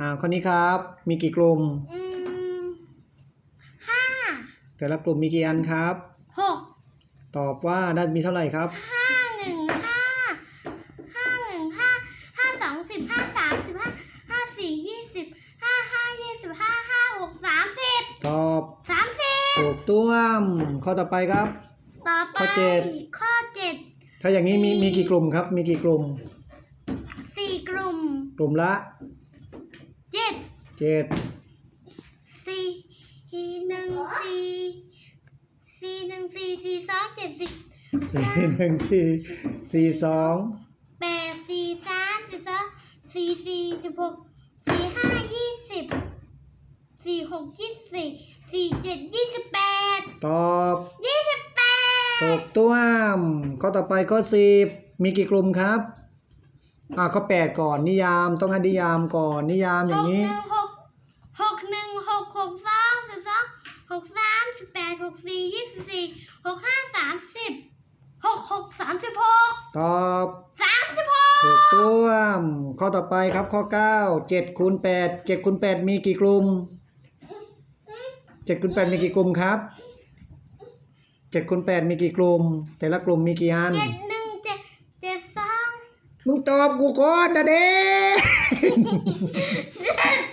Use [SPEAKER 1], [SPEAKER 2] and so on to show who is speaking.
[SPEAKER 1] ข้อนี้ครับมีกี่กลุ่ม
[SPEAKER 2] อืมห้า
[SPEAKER 1] แต่ละกลุ่มมีกี่อันครับ
[SPEAKER 2] หก
[SPEAKER 1] ตอบว่าได้มีเท่าไหร่ครับ
[SPEAKER 2] ห้าหนึ่งห้าห้าหนึ่งห้าห้าสองสิบห้าสามสิบห้าห้าสี่20ห้าห้า25ห้าหก30
[SPEAKER 1] ตอบ
[SPEAKER 2] 30
[SPEAKER 1] ถูกต้องข้อต่อไปครับ
[SPEAKER 2] ต่อไป
[SPEAKER 1] ข้อเจ็ด
[SPEAKER 2] ข้อเจ็ด
[SPEAKER 1] ถ้าอย่างนี้มีกี่กลุ่มครับมีกี่กลุ่ม
[SPEAKER 2] 4กลุ่ม
[SPEAKER 1] กลุ่มละ
[SPEAKER 2] เจ็ดสี่หนึ่งสี่สอง7
[SPEAKER 1] 4 1 4 4 2
[SPEAKER 2] 8 4 3 12 4 4 16 4 5 20 4 6 24 4 7 28
[SPEAKER 1] ตอบ
[SPEAKER 2] 28
[SPEAKER 1] ถูกต้องข้อต่อไปข้อ10มีกี่กลุ่มครับข้อ8ก่อนนิยามต้องให้นิยามก่อนนิยามอย่างนี้
[SPEAKER 2] 6 1 6 6 2 12 6 3 18 64 25 30
[SPEAKER 1] ตอบ
[SPEAKER 2] 36
[SPEAKER 1] ถูกต้องข้อต่อไปครับข้อ9 7 คูณ 8 7 คูณ 8มีกี่กลุ่ม7 คูณ 8มีกี่กลุ่มครับ7 คูณ 8มีกี่กลุ่มแต่ละกลุ่มมีกี่อัน
[SPEAKER 2] 7 1 7 7 2
[SPEAKER 1] มึงตอบกูก่อนนะเด้